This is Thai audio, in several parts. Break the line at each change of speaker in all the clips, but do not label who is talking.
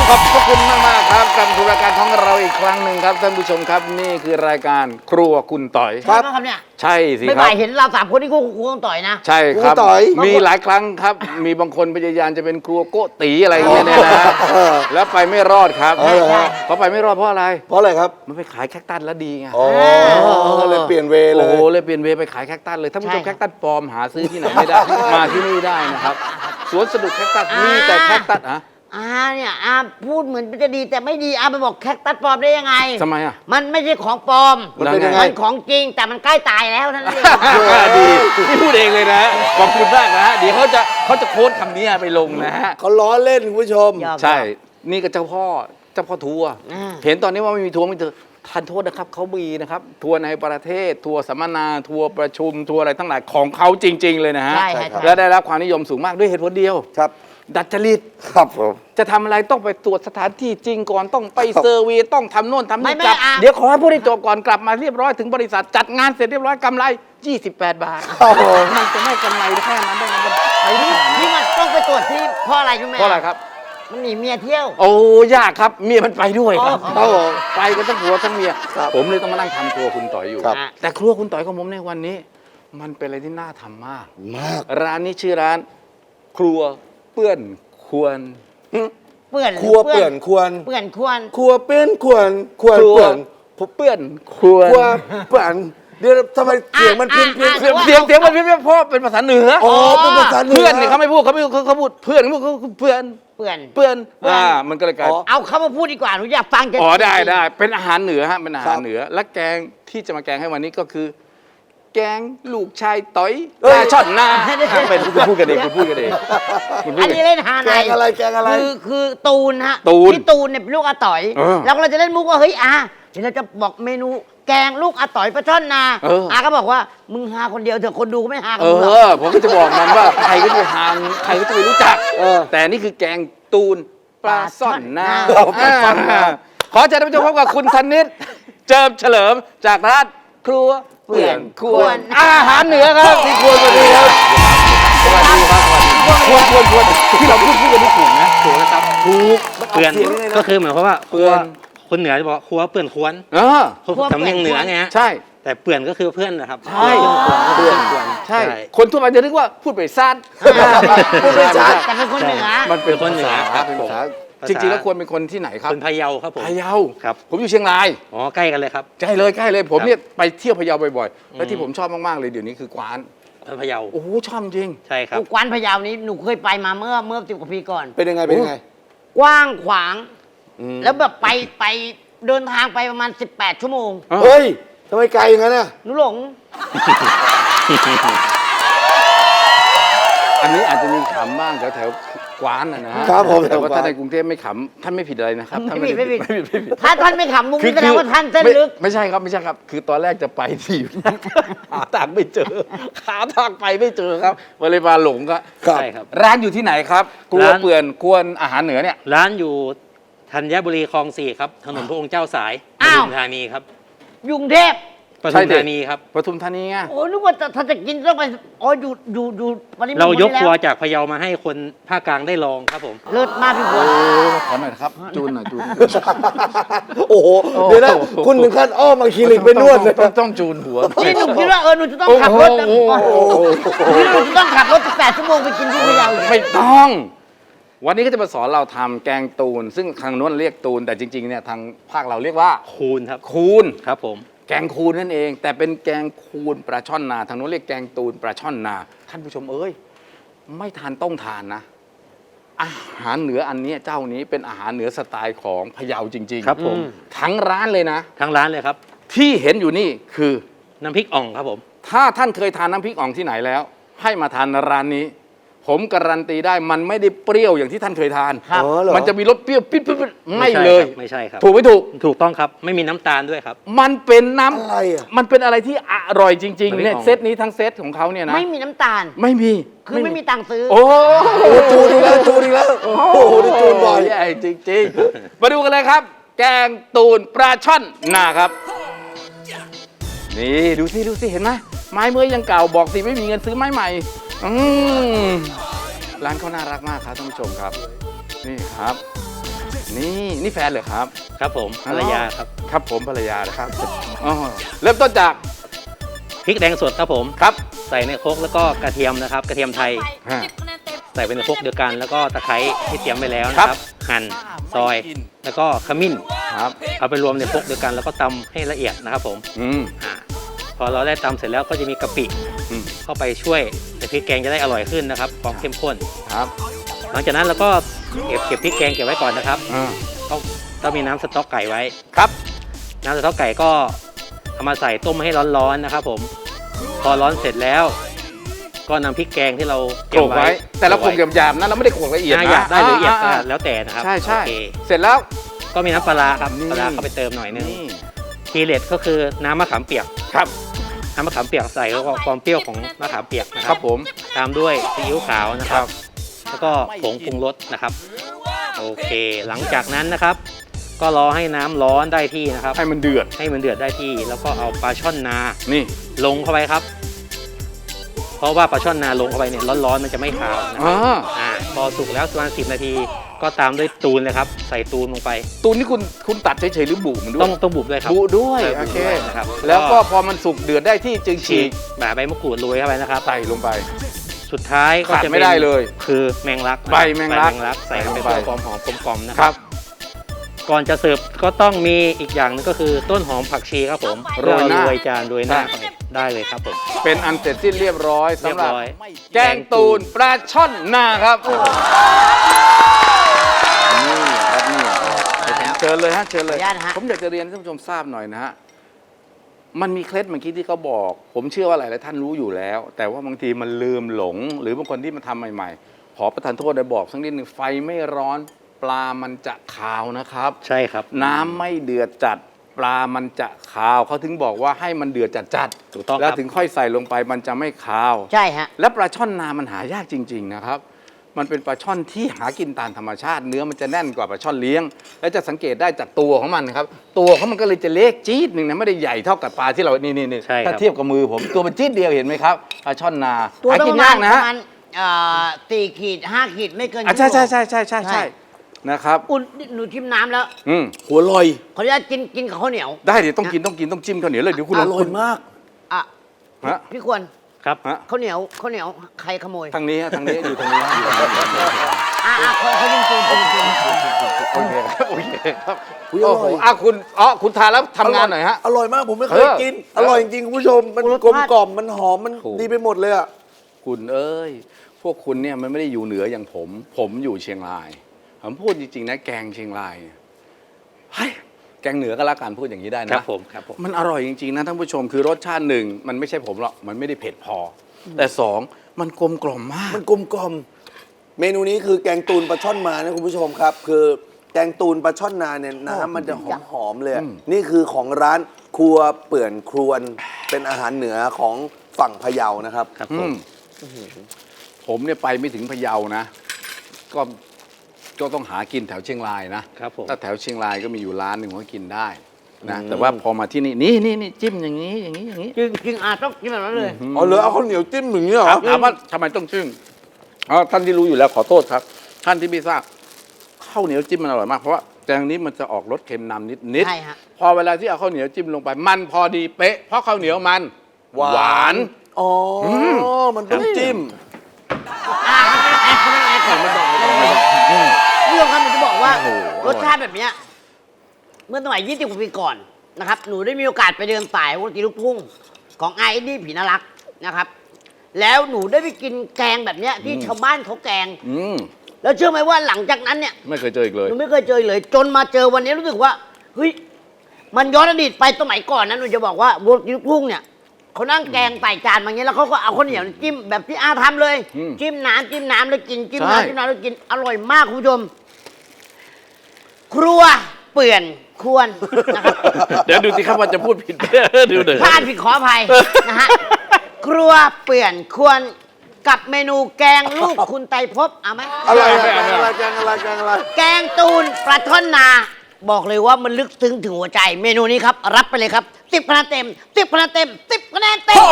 ขอบพระคุณมากๆครับกับรายการของเราอีกครั้งหนึ่งครับท่านผู้ชมครับนี่คือรายการครัวคุณต่อย
ใช่ไหมครับเนี่ย
ใช่สิ
ไม่
ครับ
บ่ายเห็นเราสามคนที่ครูต้องต่อยนะ
ใช่ครับ
ครูต่อย
มีหลายครั้งครับ มีบางคนพยายามจะเป็นครัวโกตีอะไรอย่างเงี้ยเนี่ยนะแล้วไปไม่รอดครับ
เออฮะ
เพราะไปไม่รอดเพราะอะไร
เพราะอะไรครับ
มันไปขายแคคตัสแล้วดีไง
อ๋อเลยเปลี่ยนเวเล
โอ้
ย
โหเลยเปลี่ยนเวย์ไปขายแคคตัสเลยท่านผู้ชม
ใช่
แคคตัสปลอมหาซื้อที่ไหนไม่ได้ มาที่นี่ได้นะครับสวนสนุกแคคตัสมีแต่แคคตัสอะ
เนี่ยพูดเหมือนจะดีแต่ไม่ดีไปบอกแคคตัสปลอมได้ยังไง
ทำไมอะ
มันไม่ใช่ของปลอม
มันเป็นยังไง
มันของจริงแต่มันใกล้ตายแล้วนั่นเอง
ดีที่พูดเองเลยนะขอบคุณมากนะเดี๋ยวเขาจะโค้ดคำนี้ไปลงนะฮะ
เขาล้อเล่นคุณผู้ชม
ยอม
ใช่นี่ก็เจ้าพ่อทัวร์
อ่า
เห็นตอนนี้ว่าไม่มีทัวร์ไม่เถอะทานโทษนะครับเขามีนะครับทัวร์ในประเทศทัวร์สัมมนาทัวร์ประชุมทัวร์อะไรทั้งหลายของเขาจริง ๆ เลยนะฮะ
ใช่
ใช่
ค่ะ
ครับ
และได้รับความนิยมสูงมากด้วยเหตุผลเดียว
ครับ
ดัดจริต
ครับผม
จะทำอะไรต้องไปตรวจสถานที่จริงก่อนต้องไป
ครับ
เซอร์เวีต้องทำโน่นทำ
ไม่
นี่กลับ
อ่ะ
เดี๋ยวขอให้ผู้ได้จบก่อนกลับมาเรียบร้อยถึงบริษัทจัดงานเสร็จเรียบร้อยกำไร 28 บาท
ครับผม
มันจะไม่กำไรแค่นั้นได้ไงมันไปได้ขนาดนั้น
นี่มันต้องไปตรวจที่เพราะอะไรรู้ไหม
เพราะอะไรครับ
มันหนีเมียเที่ยว
โอ้ยากครับเมียมันไปด้วยครับ
ครับผม
ไปกันทั้งผัวทั้งเมีย
ครับ
ผมเลยต้องมานั่งทำครัวคุณต่อยอยู่
ครับ
แต่ครัวคุณต่อยของผมในวันนี้ มันเป็นอะไรที่น่าทำมาก
มาก
ร้านนี้ชื่อร้าน ครัวเปื้อนควร
เปื่อน
ครัวเปื่อนควร
เปื่อนควร
ครัวเปื้อนควรควร
ครัว
เปื่อน
เปื้อนควร
ครัวเปื่อนเดี๋ยวทำไมเสียงมันเพี้ยนเพี้ยน
เสียงมันเพี้ยนเพราะเป็นภาษาเหนือ
อ๋อเป็นภาษาเหนือ
เพื่อนเนี่ยเขาไม่พูดเขาพูดเพื่อนเขาพูดเพื่อน
เปื่อน
เปื้อนมันก็เลยกลาย
อ๋อ
เอาเขามาพูดดีกว่าหนูอยากฟังจะ
อ๋อได้เป็นอาหารเหนือฮะเป็นอาหารเหนือและแกงที่จะมาแกงให้วันนี้ก็คือ แกงลูกชายต่อยปลาช่อนนาเป็นคุณพูดกันเองคุณพูดกันเองคุณพูด
อัน
กัน
นี้เล่นฮา
แก
ใน
งอะไรแกงอะไร
คือตูนฮะ
ตูน
พี่ตูนเนี่ยเป็นลูกอาต่อย
เออ
แล้วเราจะเล่นมุกว่าเฮ้ยเดี๋ยวเราจะบอกเมนูแกงลูกอาต่อยปลาช่อนนา
เออ
ก็บอกว่ามึงหาคนเดียวเถอะคนดูก็ไม่หากั
เอน
มึงหรอก
อผมก็จะบอกมันว่าใครก็จะไปทานใครก็จะไปรู้จัก แต่นี่คือแกงตูนปลาซ่อนนา
ปลาซ่อนนา
ขอเชิญท่านผู้ชมพบกับคุณธนิตเจิมเฉลิมจากร้านครัวเปื่อนควรอาหารเหนือครับที่ควรสวัสดีครับสวัสดีครับควรที่เราพูดกันนี่ถูกนะถูกนะครับถูก
เปื่อนก็คือเหมือนเพราะว่าครัว
เปื่อน
คนเหนือจะบอกว่าครัวเปื่อนควร
เออ
สำเนียงเหนือไงฮะ
ใช่
แต่เปื่อนก็คือเพื่อนนะครับ
ใช่
เพื่อนควร
ใช่ คนทั่วไปจะนึกว่าพูดไปซ่าน
พูดไม่ชัด
แต่เป็นคนเหนือ
มันเป็น
คนเหนือครับ
เป็น
ผม
ภาษาจริงๆแล้วควรเป็นคนที่ไหนครับ
คนพะเยาครับผม
พะเยา
ครับ
ผมอยู่เชียงราย
อ๋อใกล้กันเลยครับ
ใกล้เลยผม
ครับ
เนี่ยไปเที่ยวพะเยาบ่อยๆ และที่ผมชอบมากๆเลยเดี๋ยวนี้คือกวาน
คนพะเยา
โอ้โหชอบจริง
ใช่ครับ
กวานพะเยานี้หนูเคยไปมาเมื่อ10 กว่าปีก่อน
เป็นยังไงเป็นยังไง
กว้างขวาง
อืม
แล้วแบบไปเดินทางไปประมาณ 18 ชั่วโมง
เฮ้ยทำไมไกลอย่างนั้นน่ะ
หนูหลง
อันนี้อาจจะมีขำบ้างแถวๆกวานนะฮะ
ครับผม
แต่ว่า
แถวกวาน
ถ้าในกรุงเทพไม่ขำท่านไม่ผิดอะไรนะครับท่าน
ไม่ผิด
ไม่ผิด
ถ้าท่านไม่ขำมุกนี้แสดงว่าท่านเส้นลึก
ไม่ใช่ครับ คือตอนแรกจะไปที่ หาทางไม่เจอหาทางไปไม่เจอครับเลยมาหลงก็
ครับ
ใช่ครับ
ร้านอยู่ที่ไหนครับครัว
ร้าน
เปื่อนควรอาหารเหนือเนี่ย
ร้านอยู่ธัญบุรีคลอง 4 ครับถนนพระองค์เจ้าสายป
อ้าว
ทุมธานีครับ
ยุงเทพ
ปทุมธานีครับ
ปทุมธานีไง
โอ้นึกว่าถ้าจะกินต้องไปอ๋ออยู่วันนี้
เรายกครัว
แล้ว
จากพะเยามาให้คนภาคกลางได้ลองครับผม
เลิศมากพี่ฝน
ขอหน่อยนะครับจูนหน่อยจูน
โอ้โหเดี๋ยวนะคุณถึงขั้นอ้อมมาคลินิกไปนวดเลย
ต้องจูนหัว
นี่หนูคิดว่าหนูจะต้องขับรถหนูจะต้องขับรถ18 ชั่วโมงไปกินที่พะเยาอีก
ไม่ต้อง วันนี้ก็จะมาสอนเราทำแกงตูน ซึ่งทางโน้นเรียกตูน แต่จริงๆเนี่ยทางภาคเราเรียกว่า
คูณครับ
คูน
ครับผม
แกงคูนนั่นเอง แต่เป็นแกงคูนปลาช่อนนา ทางโน้นเรียกแกงตูนปลาช่อนนา ท่านผู้ชมเอ้ยไม่ทานต้องทานนะ อาหารเหนืออันนี้เจ้านี้เป็นอาหารเหนือสไตล์ของพะเยาจริงๆ
ครับผม
ทั้งร้านเลยนะ
ทางร้านเลยครับ
ที่เห็นอยู่นี่คือ
น้ำพริกอ่องครับผม
ถ้าท่านเคยทานน้ำพริกอ่องที่ไหนแล้ว ให้มาทานร้านนี้ ผมการันตีได้มันไม่ได้เปรี้ยวอย่างที่ท่านเคยทาน
ครับอ๋อเหรอ
มันจะมีรสเปรี้ยวปิดไม่
ใช่
เลย
ครับไม่ใช่ครับ
ถูกไม่ถูก
ถูกต้องครับไม่มีน้ำตาลด้วยครับ
มันเป็นน้ำ
อะไรอ่ะ
มันเป็นอะไรที่อร่อยจริง
มัน
ๆ
ไม่
เนี่ย
ออก
เซตนี้ทั้งเซตของเขาเนี่ยนะ
ไม่มีน้ำตาล
ไม่มี
คือไม่มีตังค์ซื้อ
โอ้
โอ้จูนอีกแล้วจูนอีกแล้วโอ้โหนี่จูนบ่อย
ใหญ่จริงๆ มาดูกันเลยครับ แกงตูนปลาช่อนนาครับ นี่ดูสิเห็นไหมไม้เมื่อยยังเก่าบอกสิไม่มีเงินซื้อไม้ใหม่ร้านเขาน่ารักมากครับท่านผู้ชมครับ นี่ครับนี่แฟนเหรอครับ
ครับผมภรรยาครับ
ครับผมภรรยานะครับอ๋อเริ่มต้นจาก
พริกแดงสดครับผม
ครับ
ใส่ในโครกแล้วก็กระเทียมนะครับ กระเทียมไทย
ฮะ
ใส่ไปในโครกเดียวกัน แล้วก็ตะไคร้ที่เตรียมไปแล้วนะครับ หั่นซอย แล้วก็ขมิ้น
ครับ
เอาไปรวมในโครกเดียวกันแล้วก็ตำให้ละเอียดนะครับผม
อืม
พอเราได้ตำเสร็จแล้วก็จะมีกะปิ
อืม
เข้าไปช่วยให้พริกแกงจะได้อร่อยขึ้นนะครับความเข้มข้น
ครับ
หลังจากนั้นเราก็เก็บพริกแกงเก็บไว้ก่อนนะครับ
อ่า
ต้องมีน้ำสต๊อกไก่ไว้
ครับ
น้ำสต๊อกไก่ก็เอามาใส่ต้มให้ร้อนๆนะครับผมพอร้อนเสร็จแล้ว ก็นำพริกแกงที่เรา
โขลกไว้ แต่เราโขลกหยาบๆนะเราไม่ได้โขลกละเอียด
อยากได้ละเอียด
อ่า
แล้วแต่นะครับ
ใช่ใช่
โอเค
เสร็จแล้ว
ก็มีน้ำปลาร้าครับ
นี่
ปลาร้าเข้าไปเติมหน่อยนึง
นี่
ทีเด็ดก็คือน้ำมะขามเปียก
ครับ
น้ำมะขามเปียกใส่แล้วก็ความเปรี้ยวของมะขามเปียกนะค
ค
รั
รั
บบ
ผม
ตามด้วยซีอิ๊วขาวนะค
ครั
รับ
บ
แล้วก็ผงปรุงรสนะครับโอเค หลังจากนั้นนะครับ ก็รอให้น้ำร้อนได้ที่นะครับ
ให้มันเดือด
ให้มันเดือดได้ที่ แล้วก็เอาปลาช่อนนา
นี่
ลงเข้าไปครับ เพราะว่าปลาช่อนนาลงเข้าไปเนี่ยร้อนๆมันจะไม่คาวนะค
อ๋
รั
อบ
พอสุกแล้วประมาณ10 นาที ก็ตามด้วยตูนเลยครับ ใส่ตูนลงไป
ตูนนี่คุณตัดเฉยๆหรือบุมันด้วย
ต้องบุบด้วยครับ
บุด้วย
ใช่
โอเค
บุด้วยนะครับ
แล้วก็พอมันสุกเดือดได้ที่จึงฉี
ฉี
ก
กแบบใบมะกรูดโรยเข้าไปนะครับ
ใส่ลงไป
สุดท้ายก็
ขาด
จะ
ไม่ได้เลย
คือแมงลัก
ใบแมงลัก
ใส่เข้าไป
ใส่
เพื่อ
ลงไป
ความหอมกลมๆนะ
ค
ค
รั
รับ บ ก่อนจะเสิร์ฟก็ต้องมีอีกอย่างหนึงก็คือต้นหอมผักชีครับผม
โรยหน้า
โรยจานโรยหน้า
ใช่
ได้เลยครับผม
เป็นอันเสร็จสิ้นเรียบร้อยสำหรับ
เรียบร้อย
แกงตูนปลาช่อนนาครับนี่ครับนี่เชิญเลยฮะเชิญเลย
ขออนุญาตนะฮะ
ผมอยากจะเรียนให้ท่านผู้ชมทราบหน่อยนะฮะมันมีเคล็ดเมื่อกี้ที่เขาบอก ผมเชื่อว่าหลายๆท่านรู้อยู่แล้ว แต่ว่าบางทีมันลืมหลง หรือบางคนที่มาทำใหม่ๆ ขอประทานโทษได้บอกสักนิดหนึ่งไฟไม่ร้อนปลามันจะคาวนะครับ
ใช่ครับ
น้ำไม่เดือดจัดปลามันจะคาวเขาถึงบอกว่าให้มันเดือดจัด
ถูกต้อง
แล้ว
ครับ
ถึงค่อยใส่ลงไปมันจะไม่คาว
ใช่ฮะ
และปลาช่อนนามันหายากจริง ๆนะครับ มันเป็นปลาช่อนที่หากินตามธรรมชาติ เนื้อมันจะแน่นกว่าปลาช่อนเลี้ยง และจะสังเกตได้จากตัวของมันนะครับตัวของมันก็เลยจะเล็กจี๊ดหนึ่งนะไม่ได้ใหญ่เท่ากับปลาที่เรานี่
ใช่ครับ
ถ้าเทียบกับมือผมตัวมันจี๊ดเดียวเห็นไหมครับปลาช่อนนา
ตัว
หา
ต้อง
กิ
ป
น
ระมาย
าก
ณ
นะ
ป
ฮะ
ระมาณ4 ขีด 5 ขีดไม่เกิน
ใช่
ชั่วโมง
ใช่นะครับ
อุ่นหนูชิมน้ำแล้ว
หัวลอย
ขออนุญาตกินกับข้าวเหนียว
ได้เดี๋ยวต้องกินต้องจิ้มข้าวเหนียวเลยเดี๋ยวคุณ
อ
ลอง
ร่อยมาก
อ่ะ
ฮะ
พี่ควร
ครับ
ฮะ
ข้าวเหนียวใครขโมย
ทางนี้ฮะทางนี้อยู่ทางนี้ฮะอยู่ทางนี้
เขายิงปืนเขายิงปืน
โอเคครับโอเคครับ
อุ๊ย
โอ้
อร่
โห
อย
คุณทานแล้วทำงานหน่อยฮะ
อร่อยมากผมไม่เคยกิน
เออ
อร่อยจริงๆคุณผู้ชม มันกลมกล่อมมันหอมมัน
ถูก
ดีไปหมดเลยอ่ะ
คุณเอ้ย พวกคุณเนี่ยมันไม่ได้อยู่เหนืออย่างผม ผมอยู่เชียงราย ผมพูดจริงๆนะแกงเชียงรายเนี่ยเฮ้ยแกงเหนือก็แล้วกันพูดอย่างนี้ได้
ครั
นะ
บผมครับผม
มันอร่อยจริงๆนะท่านผู้ชมคือรสชาติหนึ่งมันไม่ใช่ผมหรอกมันไม่ได้เผ็ดพออแต่สองมันกลมกล่อมมาก
มันกลมกล่อม เมนูนี้คือแกงตูนปลาช่อนมานะคุณผู้ชมครับ คือแกงตูนปลาช่อนนาเนี่ยน้ำมันจะหอมๆเลยอะนี่คือของร้านครัวเปื่อนครวนเป็นอาหารเหนือของฝั่งพะเยานะครับ
ครับ
อื
ผม
มผมเนี่ยไปไม่ถึงพะเยานะก็ต้องหากินแถวเชียงรายนะครับ
ผม
ถ้าแถวเชียงรายก็มีอยู่ร้านหนึ่งก็กินได้นะแต่ว่าพอมาที่นี่นี่จิ้มอย่างนี้อย่างนี้อย่างนี้
จริงต้องกินแบบนั้นเลย
อ๋อเหรอเอาข้าวเหนียวจิ้มอย่างนี้เหรอ
ครับถามว่าทำไมต้องจิ้มท่านที่รู้อยู่แล้วขอโทษครับ ท่านที่ไม่ทราบข้าวเหนียวจิ้มมันอร่อยมากเพราะว่าแกงนี้มันจะออกรสเค็มนำนิด
ใช่ฮะ
พอเวลาที่เอาข้าวเหนียวจิ้มลงไปมันพอดีเป๊ะเพราะข้าวเหนียวมันหวาน
อ๋อมันต้องจิ้ม
พี่ยงครับหนูจะบอกว่า
โอ้โห
รสชาติแบบเนี้ยเมื่อสมัย20 กว่าปีก่อนนะครับ หนูได้มีโอกาสไปเดินสายวงดนตรีลูกทุ่งของไอ้นี่ผีน่ารักนะครับ แล้วหนูได้ไปกินแกงแบบเนี้ยที่ชาวบ้านเขาแกง
อืม
แล้วเชื่อไหมว่าหลังจากนั้นเนี่ย
ไม่เคยเจออีกเลย
หนูไม่เคยเจอเลย จนมาเจอวันนี้รู้สึกว่าเฮ้ยมันย้อนอดีตไปสมัยก่อนนะหนูจะบอกว่าวงดนตรีลูกทุ่งเนี่ยเขานั่งแกงใส่จานมาอย่างเงี้ยแล้วเขาก็เอาข้าวเหนียวจิ้มแบบที่อาทำเลย
อืม
จิ้มน้ำแล้วกินจิ้ม
ใช่
น้ำแล้วกินอร่อยมากคุณผู้ชม ครัวเปื่อนควรนะครับ
เดี๋ยวดูสิครับว่าจะพูดผิด ดูหน่อย
พลาดผิดขออภัยนะฮะครัวเปื่อนควรกับเมนูแกงลูกคุณไตรภพเอาไหม
อะไรแกงอะไรแกงอะไรแกงอะไร
แกงตูนปลาท่อนนา บอกเลยว่ามันลึกซึ้งถึงหัวใจ เมนูนี้ครับ รับไปเลยครับ10 คะแนนเต็ม10 คะแนนเต็ม10 คะแนนเต็ม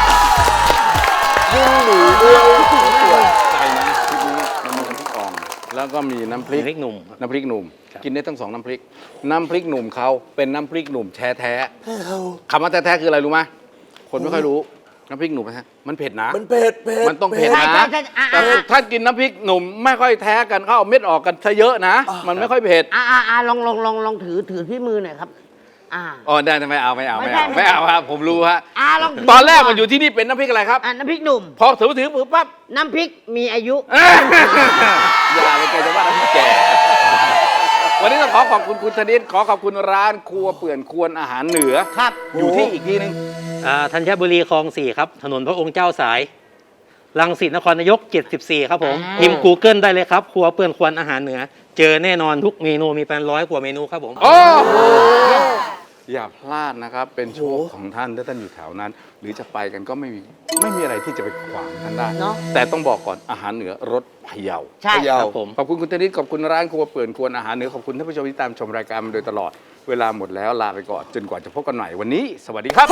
ยิ่งหมูด้วย
ใจนะพริกนี้มันมีพริกอ่องแล้วก็มีน้ำพริก
น้ำพริกหนุ่ม
น้ำพริกหนุ่ม
ครับ
กินได้ทั้ง2น้ำพริก น้ำพริกหนุ่มเขาเป็นน้ำพริกหนุ่มแท้ๆคำว่าแท้ๆคืออะไรรู้ไหมคนไม่ค่อยรู้น้ำพริกหนุ่มนะฮะมันเผ็ดนะ
มันเผ็ดเผ็ด
มันต้องเผ็ด
ใช่
นะ
ใช่ใช่
แต่ถ้ากินน้ำพริกหนุ่มไม่ค่อยแท้กันเขาเอาเม็ดออกกันซะเยอะนะ มันไม่ค่อยเผ็ด
ลองถือที่มือหน่อยครับ
อ๋อได้ไม่เอาครับผมรู้ฮะ
ลองถื
ตอนแรกมันอยู่ที่นี่เป็นน้ำพริกอะไรครับ
น้ำพริกหนุ่ม
พอถือปุ๊บปั๊บ
น้ำพริกมีอายุ
อย่าเลยแกจะว่าน้ำพริกแก่วันนี้ต้องขอขอบคุณคุณธนิตขอขอบคุณร้านครัวเปื่อนควรอาหารเหนือ
ครับ
อยู่ที่อีกทีนึง
ธัญบุรีคลอง 4 ครับ ถนนพระองค์เจ้าสายรังสิตนครนายก 74 ครับผม พิมพ์ Google ได้เลยครับ ครัวเปื่อนควรอาหารเหนือ เจอแน่นอนทุกเมนูมีเป็น100 กว่าเมนูครับผม
โอ้โหอย่าพลาดนะครับ เป็นโชคของท่านถ้าท่านอยู่แถวนั้น หรือจะไปกันก็ไม่มีอะไรที่จะไปขวางท่านได้
เนอะ
แต่ต้องบอกก่อนอาหารเหนือรสพะเยา
ใช่
ครับผม
ขอบคุณคุณธนิตขอบคุณร้านครัวเปื่อนควรอาหารเหนือขอบคุณท่านผู้ชมที่ตามชมรายการมาโดยตลอดเวลาหมดแล้วลาไปก่อนจนกว่าจะพบกันใหม่วันนี้ สวัสดีครับ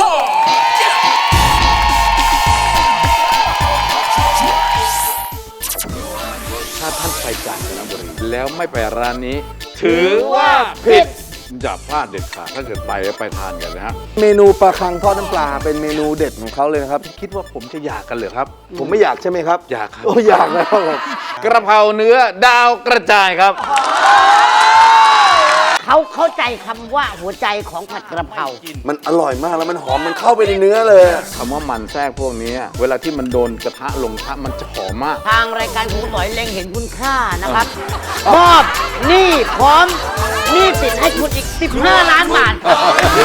ถ้าท่านไปกาญจนบุรีแล้วไม่ไปร้านนี้ ถือว่าผิดอย่าพลาดเด็ดขาดถ้าเกิดไปแล้วไปทานกันนะฮะ
เมนูปลาคังทอดน้ำปลาเป็นเมนูเด็ดของเขาเลยนะครับ
คิดว่าผมจะอยากกันเหรอครับ
ผมไม่อยากใช่ไหมครับ
อยากครับ
โอ้อยากแล้วครับ
กระเพราเนื้อดาวกระจายครับ
เขาเข้าใจคำว่าหัวใจของผัดกระเพรา
มันอร่อยมากแล้วมันหอมมันเข้าไปในเนื้อเลย
คำว่ามันแทรกพวกนี้เวลาที่มันโดนกระทะลงกระทะมันจะหอมมาก
ทางรายการคุณต่อยเล็งเห็นคุณค่านะครับ มอบหนี้พร้อมหนี้สินให้คุณอีก 15 ล้านบาท